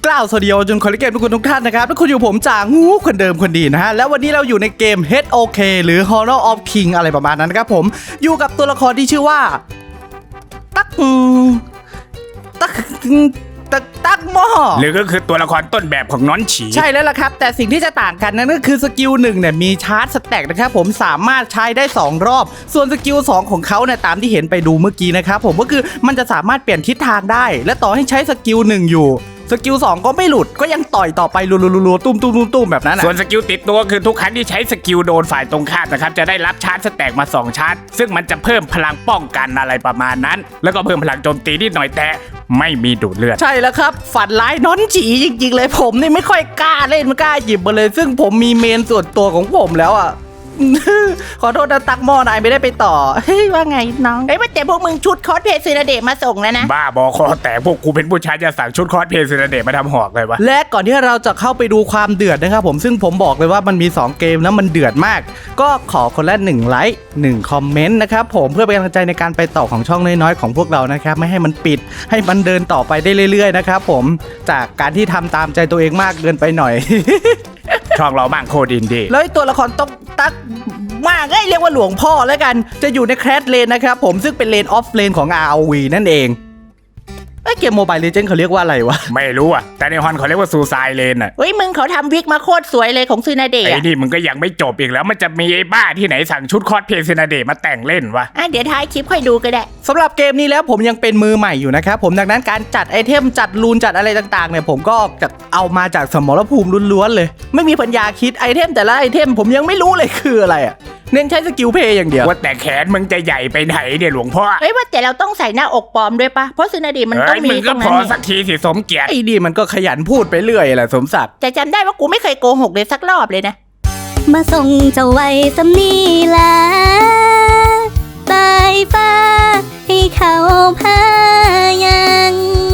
าวสวัสดีจนคนเกมทุกท่านนะครับทุกคนอยู่ผมจ่างูคนเดิมคนดีนะฮะแล้ววันนี้เราอยู่ในเกม HOK หรือ Honor of King อะไรประมาณนั้นนะครับผมอยู่กับตัวละครที่ชื่อว่าตักหม้อหรือก็คือตัวละครต้นแบบของน้อนฉีใช่แล้วล่ะครับแต่สิ่งที่จะต่างกันนั่นก็คือสกิล1เนี่ยมีชาร์จสแต็กนะครับผมสามารถใช้ได้2รอบส่วนสกิล2ของเขาเนี่ยตามที่เห็นไปดูเมื่อกี้นะครับผมก็คือมันจะสามารถเปลี่ยนทิศทางได้และต่อให้ใช้สกิล1อยู่สกิล2ก็ไม่หลุดก็ยังต่อยต่อไปรัวๆตุ้มแบบนั้นส่วนสกิลติดตัวคือทุกครั้งที่ใช้สกิลโดนฝ่ายตรงข้ามนะครับจะได้รับชาร์จสแต็กมา2ชาร์จซึ่งมันจะเพิ่มพลังป้องกันอะไรประมาณนั้นแล้วก็เพิ่มพลังโจมตีนิดหน่อยแต่ไม่มีดูดเลือดใช่แล้วครับฝันร้ายน้อนจีจริงๆเลยผมนี่ไม่ค่อยกล้าเล่นไม่กล้าหยิบมาเลยซึ่งผมมีเมนส่วนตัวของผมแล้วอ่ะ ขอโทษนะตักหม้อนายไม่ได้ไปต่อเฮ้ยว่าไงน้องว่าแต่พวกมึงชุดคอสเพลย์ซีนาเดะมาส่งแล้วนะบ้าบอคอแต่พวกกูเป็นผู้ชายจะสั่งชุดคอสเพลย์ซีนาเดะมาทำหอกเลยวะและก่อนที่เราจะเข้าไปดูความเดือดนะครับผมซึ่งผมบอกเลยว่ามันมี2เกมแล้วมันเดือดมากก็ขอคนละ1ไลค์1คอมเมนต์นะครับผมเพื่อเป็นกำลังใจในการไปต่อของช่องน้อยๆของพวกเรานะครับไม่ให้มันปิดให้มันเดินต่อไปได้เรื่อยๆนะครับผมจากการที่ทำตามใจตัวเองมากเกินไปหน่อยช่องเราบ้างโคดินดีแล้วตัวละครต้องตักมากเรียกว่าหลวงพ่อแล้วกันจะอยู่ในแคสเลนนะครับผมซึ่งเป็นเลนออฟเลนของ ROV นั่นเองเกมโมบายเลเจนด์เขาเรียกว่าอะไรวะไม่รู้อ่ะแต่ในฮอนเขาเรียกว่าซูซายเลนอ่ะเฮ้ยมึงเขาทำวิกมาโคตรสวยเลยของซีนาเดะไอ้นี่มึงก็ยังไม่จบอีกแล้วมันจะมีไอ้บ้าที่ไหนสั่งชุดคอสเพลย์ซีนาเดะมาแต่งเล่นวะเดี๋ยวท้ายคลิปค่อยดูก็ได้สำหรับเกมนี้แล้วผมยังเป็นมือใหม่อยู่นะครับผมดังนั้นการจัดไอเทมจัดรูนจัดอะไรต่างๆเนี่ยผมก็จะเอามาจากสมรภูมิล้วนๆเลยไม่มีปัญญาคิดไอเทมแต่ละไอเทมผมยังไม่รู้เลยคืออะไรอ่ะเน้นใช้สกิลเพย์อย่างเดียวว่าแต่แขนมึงจะใหญ่ไปไหนเนี่ยหลวงพ่อว่าแต่เราต้องใส่หน้าอกปลอมด้วยปะเพราะซีนาเดะมันต้องมีตรงนั้นมึงก็พอสักทีสิสมเกียรติไอ้ดีมันก็ขยันพูดไปเรื่อยแหละสมศักดิ์แต่จำได้ว่ากูไม่เคยโกหกเลยสักรอบเลยนะมาส่งเจ้าไว้สำนีลาตายฟ้าให้เขาพายัง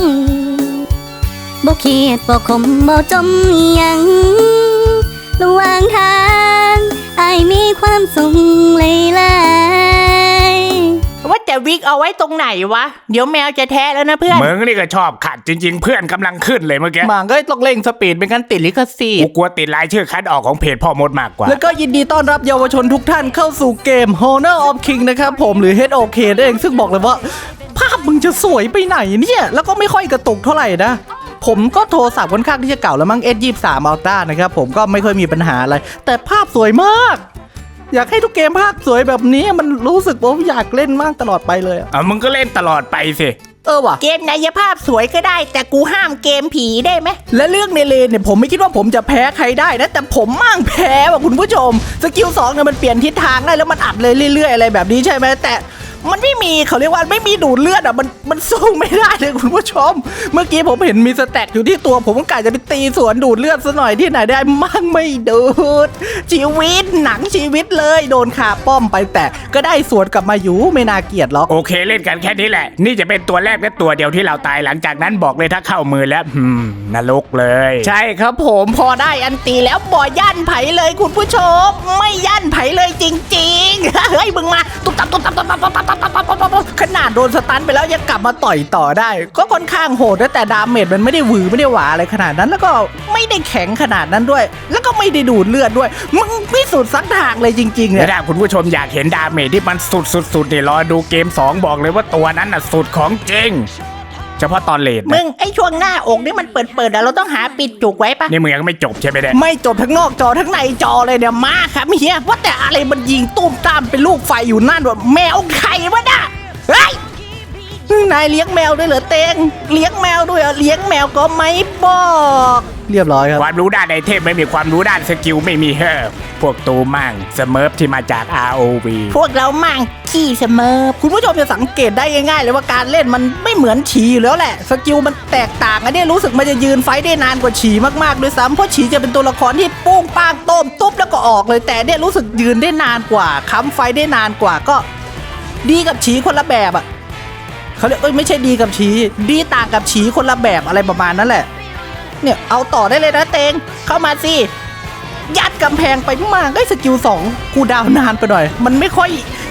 บ่คิดบ่คมบ่จมยังระหว่างทางอายมีความสุขหลายว่าแต่วิกเอาไว้ตรงไหนวะเดี๋ยวแมวจะแท้แล้วนะเพื่อนมึงนี่ก็ชอบขัดจริงๆเพื่อนกำลังขึ้นเลยเมื่อกี้มันก็ต้องเร่งสปีดเป็นการติดลิขสิทธิ์กูกลัวติดรายชื่อคัดออกของเพจพ่อมดมากกว่าแล้วก็ยินดีต้อนรับเยาวชนทุกท่านเข้าสู่เกม Honor of King นะครับผมหรือ HOK นั่นเองซึ่งบอกเลยว่าภาพมึงจะสวยไปไหนเนี่ยแล้วก็ไม่ค่อยกระตุกเท่าไหร่นะผมก็โทรศัพท์ค่อนข้างที่จะเก่าแล้วมั้ง S23 Ultra นะครับผมก็ไม่ค่อยมีปัญหาอะไรแต่ภาพสวยมากอยากให้ทุกเกมภาพสวยแบบนี้มันรู้สึกว่าอยากเล่นมากตลอดไปเลยมึงก็เล่นตลอดไปสิว่ะเกมไหนภาพสวยก็ได้แต่กูห้ามเกมผีได้ไหมและเรื่องในเลนเนี่ยผมไม่คิดว่าผมจะแพ้ใครได้นะแต่ผมมั่งแพ้ว่ะคุณผู้ชมสกิล2เนี่ยมันเปลี่ยนทิศทางได้แล้วมันอัดเลยเรื่อยๆอะไรแบบนี้ใช่ไหมแต่มันไม่มีเขาเรียกว่าไม่มีดูดเลือดมันสู้ไม่ได้เลยคุณผู้ชมเมื่อกี้ผมเห็นมีสแต็กอยู่ที่ตัวผมก็กะจะไปตีสวนดูดเลือดซะหน่อยที่ไหนได้มั่งไม่ดูดชีวิตหนังชีวิตเลยโดนขาป้อมไปแต่ก็ได้สวนกลับมาอยู่ไม่น่าเกลียดหรอกโอเคเล่นกันแค่นี้แหละนี่จะเป็นตัวแรกและตัวเดียวที่เราตายหลังจากนั้นบอกเลยถ้าเข้ามือแล้วนรกเลยใช่ครับผมพอได้อันตีแล้วบ่ยั่นไผเลยคุณผู้ชมไม่ยั่นไผเลยจริงๆเฮ้ยมึงมาตุ๊บตับขนาดโดนสตันไปแล้วยังกลับมาต่อยต่อได้ก็ค่อนข้างโหดแต่ดาเมจมันไม่ได้หวือไม่ได้หวาอะไรขนาดนั้นแล้วก็ไม่ได้แข็งขนาดนั้นด้วยแล้วก็ไม่ได้ดูดเลือดด้วยมึงพิสูจน์สักทางเลยจริงๆเนี่ยถ้าคุณผู้ชมอยากเห็นดาเมจที่มันสุดๆเนี่ยรอดูเกม2บอกเลยว่าตัวนั้นน่ะสุดของจริงเฉพาะตอนเลทมึงไอ้ช่วงหน้าอกนี่มันเปิดเราต้องหาปิดจุกไว้ปะนี่มึงยังไม่จบใช่ไหมเนี่ยไม่จบทั้งนอกจอทั้งในจอเลยเนี่ยมาครับเฮียว่าแต่อะไรมันยิงตุ้มตามเป็นลูกไฟอยู่นั่นวะแมวไข่วะน่ะเฮ้ยนายเลี้ยงแมวด้วยเหรอเตงเลี้ยงแมวด้วยเลี้ยงแมวก็ไม่บอกเรียบร้อยครับความรู้ด้านไอเทมไม่มีความรู้ด้านสกิลไม่มีพวกตูมั่งเสเมิร์ฟที่มาจาก ROV พวกเรามั่งขี้เสมอคุณผู้ชมจะสังเกตได้ง่ายๆเลยว่าการเล่นมันไม่เหมือนฉีอยู่แล้วแหละสกิลมันแตกต่างอันนี้รู้สึกมันจะยืนไฟได้นานกว่าฉีมากๆด้วยซ้ำเพราะฉีจะเป็นตัวละครที่ปุ้งป้างโต้มตุ๊บแล้วก็ออกเลยแต่เนี่ยรู้สึกยืนได้นานกว่าค้ำไฟได้นานกว่าก็ดีกับฉีคนละแบบเขาเรียกไม่ใช่ดีกับฉีดีต่างกับฉีคนละแบบอะไรประมาณนั้นแหละเนี่ยเอาต่อได้เลยนะเตงเข้ามาสิยัดกำแพงไปมากได้สกิล2กูดาวนานไปหน่อยมันไม่ค่อย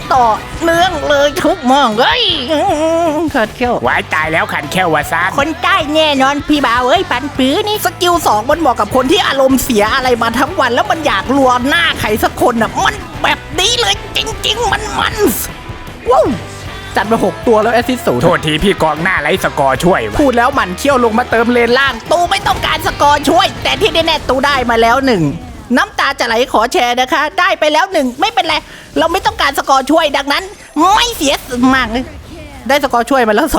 ต่อเนื่องเลยทุกมองเฮ้ยขัดเขี้ยววายตายแล้วขันแค่วาซานคนใต้แน่นอนพี่บ่าวเอ้ยปันปื้อนี่สกิล2มันเหมาะกับคนที่อารมณ์เสียอะไรมาทั้งวันแล้วมันอยากรัวหน้าใครสักคนอ่ะมันแบบนี้เลยจริงๆมันว้าวจัดมา6ตัวแล้วแอสซิสต์0 โทษทีพี่กองหน้าไร้สกอร์ช่วยวะพูดแล้วหมันเขี้ยวลงมาเติมเลนล่าง ตูไม่ต้องการสกอร์ช่วย แต่ที่แน่ๆตูได้มาแล้ว1น้ำตาจะไหลขอแชร์นะคะ ได้ไปแล้ว1ไม่เป็นไรเราไม่ต้องการสกอร์ช่วยดังนั้น ไม่เสียมากเลยได้สกอร์ช่วยมาแล้ว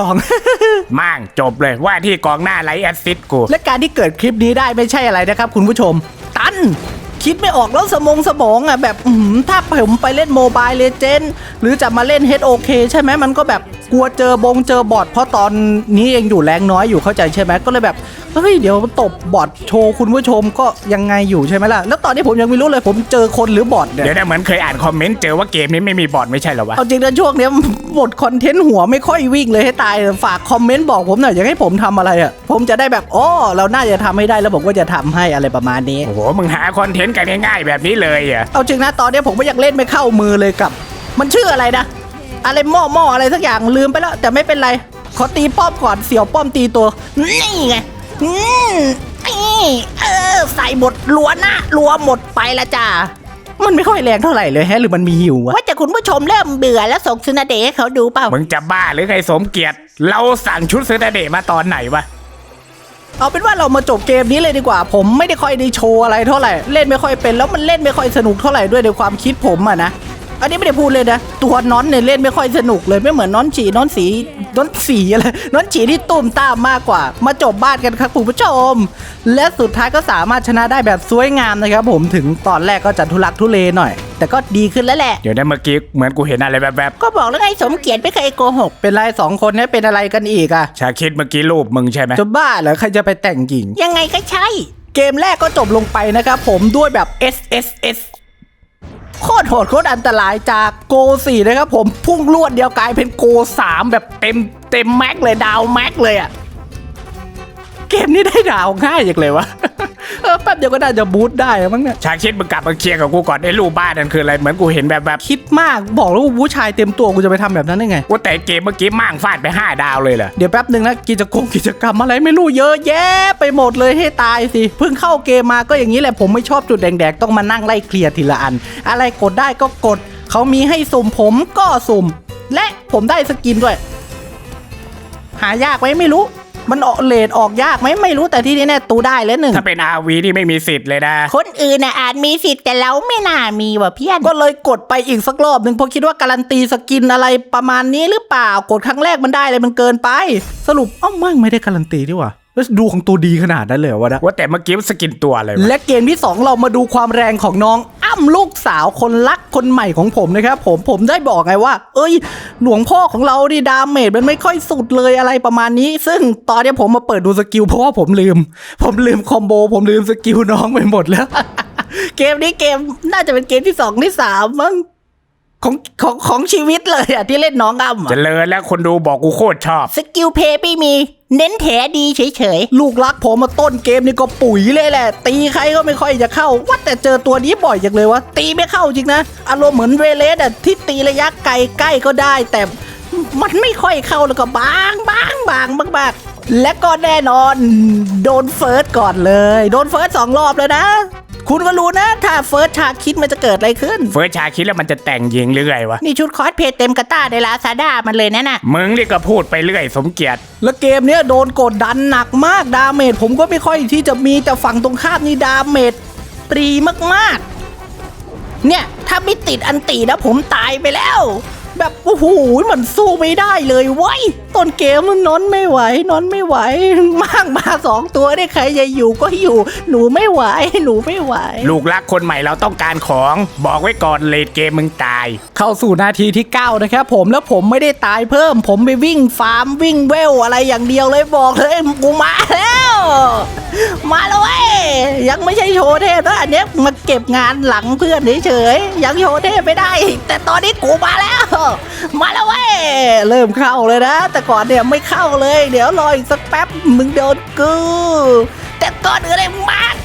2 มั่งจบเลยว่าที่กองหน้าไร้แอสซิสต์กูและการที่เกิดคลิปนี้ได้ไม่ใช่อะไรนะครับคุณผู้ชม ตัน คิดไม่ออกแล้วสมองอ่ะแบบถ้าผมไปเล่นโมบายเลเจนด์หรือจะมาเล่น HOK ใช่ไหมมันก็แบบกลัวเจอบอทเพราะตอนนี้เองอยู่แรงน้อยอยู่เข้าใจใช่ไหมก็เลยแบบเฮ้ยเดี๋ยวตบบอทโชว์คุณผู้ชมก็ยังไงอยู่ใช่ไหมล่ะแล้วตอนนี้ผมยังไม่รู้เลยผมเจอคนหรือบอทเนี่ยเดี๋ยวนะเหมือนเคยอ่านคอมเมนต์เจอว่าเกมนี้ไม่มีบอทไม่ใช่เหรอวะเอาจริงนะช่วงเนี้ยหมดคอนเทนต์หัวไม่ค่อยวิ่งเลยให้ตายฝากคอมเมนต์บอกผมหน่อยอยากให้ผมทำอะไรอ่ะผมจะได้แบบอ๋อเราน่าจะทำให้ได้แล้วผมก็จะทำให้อะไรประมาณนี้โอ้โหมึงหาคอนเทนต์กันง่ายๆแบบนี้เลยอ่ะเอาจริงนะตอนนี้ผมก็ยังเล่นไม่เข้ามือเลยกับ มันชื่ออะไรนะอะไรหม้ออะไรสักอย่างลืมไปแล้วแต่ไม่เป็นไรขอตีป้อมก่อนเสี่ยวป้อมตีตัวนี่ไงนี่ใส่หมดรัวหน้ารัวหมดไปละจ้ามันไม่ค่อยแรงเท่าไหร่เลยแฮะหรือมันมีหิววะว่าแต่คุณผู้ชมเริ่มเบื่อแล้วส่งซึนาเดะให้เขาดูเปล่ามึงจะบ้าหรือไงสมเกียรติ เราสั่งชุดเซอร์เดย์มาตอนไหนวะเอาเป็นว่าเรามาจบเกมนี้เลยดีกว่าผมไม่ได้ค่อยได้โชว์อะไรเท่าไหร่เล่นไม่ค่อยเป็นแล้วมันเล่นไม่ค่อยสนุกเท่าไหร่ด้วยในความคิดผมอะนะอันนี้ไม่ได้พูดเลยนะตัวน้อนเนี่ยเล่นไม่ค่อยสนุกเลยไม่เหมือนน้อนฉีน้อนสีอะไรน้อนฉีที่ตุ่มตามมากกว่ามาจบบ้านกันครับคุณผู้ชมและสุดท้ายก็สามารถชนะได้แบบสวยงามนะครับผมถึงตอนแรกก็จะทุลักทุเลหน่อย แต่ก็ดีขึ้นแล้วแหละเดี๋ยวนะเมื่อกี้เหมือนกูเห็นอะไรแบบก็บอกแล้วไงสมเกียรติไม่เคยโกหกเป็นไร2 คนนี้เป็นอะไรกันอีกอะๆชาคิดเมื่อกี้รูปมึงใช่ไหมจะบ้าเหรอใครจะไปแต่งหญิงยังไงก็ใช่เกมแรกก็จบลงไปนะครับผมด้วยแบบ SSS โคตรโหดโคตรอันตรายจากโก4นะครับผมพุ่งลวดเดียวกลายเป็นโก3แบบเต็มแม็กเลยดาวแม็กเลยอะเกมนี้ได้ดาวง่ายอย่างเลยวะ แป๊บเดียวก็น่าจะบูทได้มั้งเนี่ยชาคิดมึงกลับมาเคลียร์กับกูก่อนไอ้รูปบ้านนั่นคืออะไรเหมือนกูเห็นแบบคิดมากบอกแล้วว่าผู้ชายเต็มตัวกูจะไปทำแบบนั้นได้ไงว่าแต่เกมเมื่อกี้มั่งฟาดไป5 ดาวเลยเหรอเดี๋ยวแป๊บหนึ่งนะกิจกรรมอะไรไม่รู้เยอะแยะไปหมดเลยให้ตายสิเพิ่งเข้าเกมมาก็อย่างนี้แหละผมไม่ชอบจุดแดงๆต้องมานั่งไล่เคลียร์ทีละอันอะไรกดได้ก็กดเขามีให้สุ่มผมก็สุ่มและผมได้สกินด้วย หายากไหมไม่รู้มันออกเลทออกยากไหมไม่รู้แต่ที่นี่แน่ตูได้แล้ว1 ถ้าเป็น RV นี่ไม่มีสิทธิ์เลยนะคนอื่นน่ะอาจมีสิทธิ์แต่เราไม่น่ามีว่ะเพี้ยนก็เลยกดไปอีกสักรอบหนึ่งเพราะคิดว่าการันตีสกินอะไรประมาณนี้หรือเปล่ากดครั้งแรกมันได้เลยมันเกินไปสรุปไม่ได้การันตีดีกว่าแล้วดูของตัวดีขนาดนั้นเลยเหรอวะนะว่าแต่เมื่อกี้สกินตัวอะไรวะและเกมที่ 2 เรามาดูความแรงของน้องอ้ำลูกสาวคนรักคนใหม่ของผมนะครับผมได้บอกไงว่าหลวงพ่อของเราดิดาเมจมันไม่ค่อยสุดเลยอะไรประมาณนี้ ซึ่งตอนนี้ผมมาเปิดดูสกิลเพราะว่าผมลืมคอมโบผมลืมสกิลน้องไปหมดแล้ว เกมนี้เกมน่าจะเป็นเกมที่2ที่3มั้งของชีวิตเลยอะที่เล่นน้องอ้ำเจริญแล้วคนดูบอกกูโคตรชอบสกิลเพย์ไม่มีเน้นแถดีเฉยลูกรักผมมาต้นเกมนี่ก็ปุ๋ยเลยแหละตีใครก็ไม่ค่อยจะเข้าว่าแต่เจอตัวนี้บ่อยจังเลยวะตีไม่เข้าจริงนะอารมณ์เหมือนเวเลสอะที่ตีระยะไกลใกล้ก็ได้ แต่มันไม่ค่อยเข้าแล้วก็บางและก็แน่นอนโดนเฟิร์สก่อนเลยโดนเฟิร์ส2 รอบเลยนะคุณก็รู้นะถ้าเฟิร์สชาคิดมันจะเกิดอะไรขึ้นเฟิร์สชาคิดแล้วมันจะแต่งยิงหรือไงวะๆนี่ชุดคอสเพย์เต็มกระต้าในลาซาด้ามันเลยนะน่ะมึงนี่ก็พูดไปเรื่อยสมเกียรติแล้วเกมเนี้ยโดนกดดันหนักมากดาเมจผมก็ไม่ค่อยที่จะมีแต่ฝั่งตรงข้ามนี่ดาเมจตรีมากๆเนี่ยถ้าไม่ติดอันตีนะผมตายไปแล้วแบบโอ้โหมันสู้ไม่ได้เลยเว้ยต้นเกมมันนอนไม่ไหวมากมา2 ตัวได้ใครจะอยู่ก็อยู่หนูไม่ไหวลูกรักคนใหม่เราต้องการของบอกไว้ก่อนเลดเกมมึงตายเข้าสู่นาทีที่9นะครับผมแล้วผมไม่ได้ตายเพิ่มผมไปวิ่งฟาร์มวิ่งเวลอะไรอย่างเดียวเลยบอกเลยกูมาแล้วเว้ยยังไม่ใช่โชว์เทพนะอันเนี้ยมาเก็บงานหลังเพื่อนเฉยๆยังโชว์เทพไม่ได้แต่ตอนนี้กูมาแล้วเว้ยเริ่มเข้าเลยนะแต่ก่อนเนี่ยไม่เข้าเลยเดี๋ยวรออีกสักแป๊บมึงโดนกูแต่ก่อนอื่นเลยมา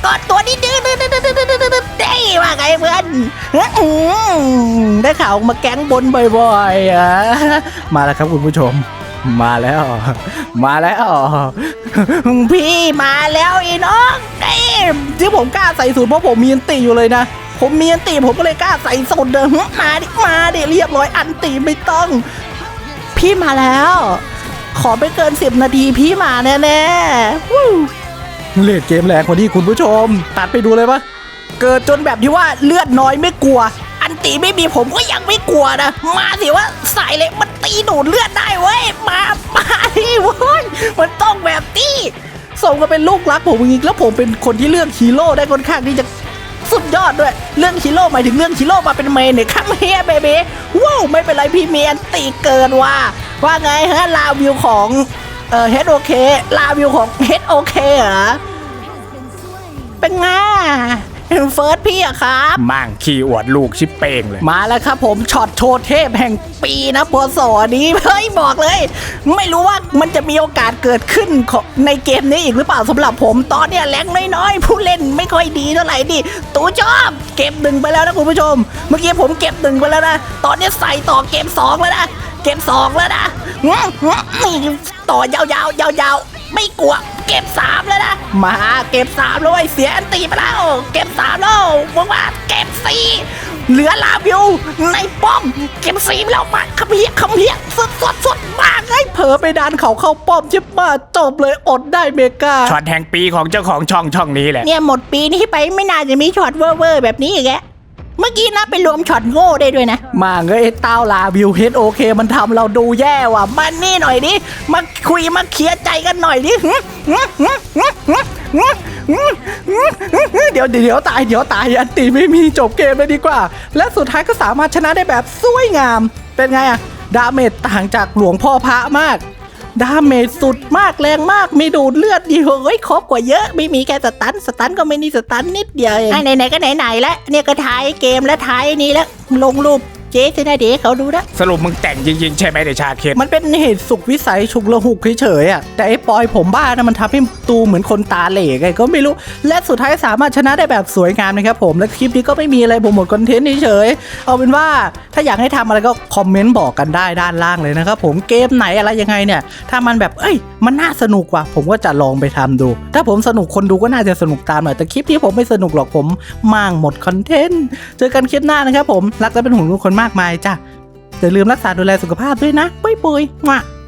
กอดตัวนี้ดื้อได้ว่าไงเพื่อนได้ข่าวมาแก๊งบนบ่อยๆอ่ะมาแล้วครับคุณผู้ชมมาแล้วพี่มาแล้วอีน้องไอ้ที่ผมกล้าใส่สูตรเพราะผมมีอันติอยู่เลยนะผมมีอันติผมก็เลยกล้าใส่สูตรเดิมมาดิเรียบร้อยอันติไม่ต้องพี่มาแล้วขอไม่เกิน10 นาทีพี่มาแน่ๆเลดเกมแรงกว่านี้คุณผู้ชมตัดไปดูเลยปะเกิดจนแบบที่ว่าเลือดน้อยไม่กลัวอันตีไม่มีผมก็ยังไม่กลัวนะมาสิว่าสายเหล็กมันตีดูดเลือดได้เว้ยมาดิเว้ยมันต้องแบบนี้สมกับเป็นลูกรักผมจริงๆแล้วผมเป็นคนที่เลือกฮีโร่ได้ค่อนข้างที่จะสุดยอดด้วยเรื่องฮีโร่หมายถึงเรื่องฮีโร่มาเป็นเมนเนี่ยข้ามเฮียเบบีว้าวไม่เป็นไรพี่เมียนตีเกินว่าไงฮะลาวิวของเฮดโอเคลาวิวของเฮดโอเคเหรอเป็นไงเฟิร์สพี่อะครับมั่งขี้อวดลูกชิปเป้งเลยมาแล้วครับผมช็อตโชว์เทพแห่งปีนะพศนี้เฮ้ยบอกเลยไม่รู้ว่ามันจะมีโอกาสเกิดขึ้นในเกมนี้อีกหรือเปล่าสำหรับผมตอนเนี้ยแรงน้อยๆผู้เล่นไม่ค่อยดีเท่าไหร่ดิตูชอบเก็บ1ไปแล้วนะคุณผู้ชมเมื่อกี้ผมเก็บ1ไปแล้วนะตอนนี้ใส่ต่อเกม2แล้วนะเกม2แล้วนะต่อยาวๆไม่กลัวเก็บ3แล้วนะมาเก็บ3เลยเสียอันตีไปแล้วเก็บ3แล้วบอกว่าเก็บ4เหลือลาวิวในป้อมเก็บ4ไปแล้วมาคำเฮียสดมากเลยเผลอไปดันเขาเข้าป้อมใช่ป่ะจบเลยอดได้เมกาช็อตแห่งปีของเจ้าของช่องนี้แหละเนี่ยหมดปีนี้ไปไม่น่าจะมีช็อตเวอร์แบบนี้อีกแล้วเมื่อกี้นะไปรวมช็อตโง่ได้ด้วยนะมาเงยเต้าลาวิวเฮดโอเคมันทำเราดูแย่ว่ะมันนี่หน่อยดิมาคุยมาเคลียร์ใจกันหน่อยดิเดี๋ยวตายอันตีไม่มีจบเกมเลยดีกว่าและสุดท้ายก็สามารถชนะได้แบบสวยงามเป็นไงอะดาเมจต่างจากหลวงพ่อพระมากดาเมจสุดมากแรงมากมีดูดเลือดดีเฮ้ยครบกว่าเยอะไม่มีแค่สตันก็ไม่มีสตันนิดเดียวเองไหนก็ไหนแล้วเนี่ยก็ท้ายเกมแล้วท้ายนี้แล้วลงรูปเจ๊จะได้เด็กเขาดูนะสรุปมึงแต่งจริงๆใช่ไหมเดชาเคนมันเป็นเหตุสุขวิสัยฉุกละหุกเฉยๆอ่ะแต่ไอ้ปอยผมบ้านะมันทำให้ตูเหมือนคนตาเหล่ไงก็ไม่รู้และสุดท้ายสามารถชนะได้แบบสวยงามนะครับผมและคลิปนี้ก็ไม่มีอะไรผมหมดคอนเทนต์เฉยๆเอาเป็นว่าถ้าอยากให้ทำอะไรก็คอมเมนต์บอกกันได้ด้านล่างเลยนะครับผมเกมไหนอะไรยังไงเนี่ยถ้ามันแบบมันน่าสนุกว่ะผมก็จะลองไปทำดูถ้าผมสนุกคนดูก็น่าจะสนุกตามหน่อยแต่คลิปนี้ผมไม่สนุกหรอกผมมั่งหมดคอนเทนต์เจอกันคลิปหน้านะครับผมรักและเป็นห่วงทุกคนมากมายจ้ะอย่าลืมรักษาดูแลสุขภาพด้วยนะปุ้ยๆ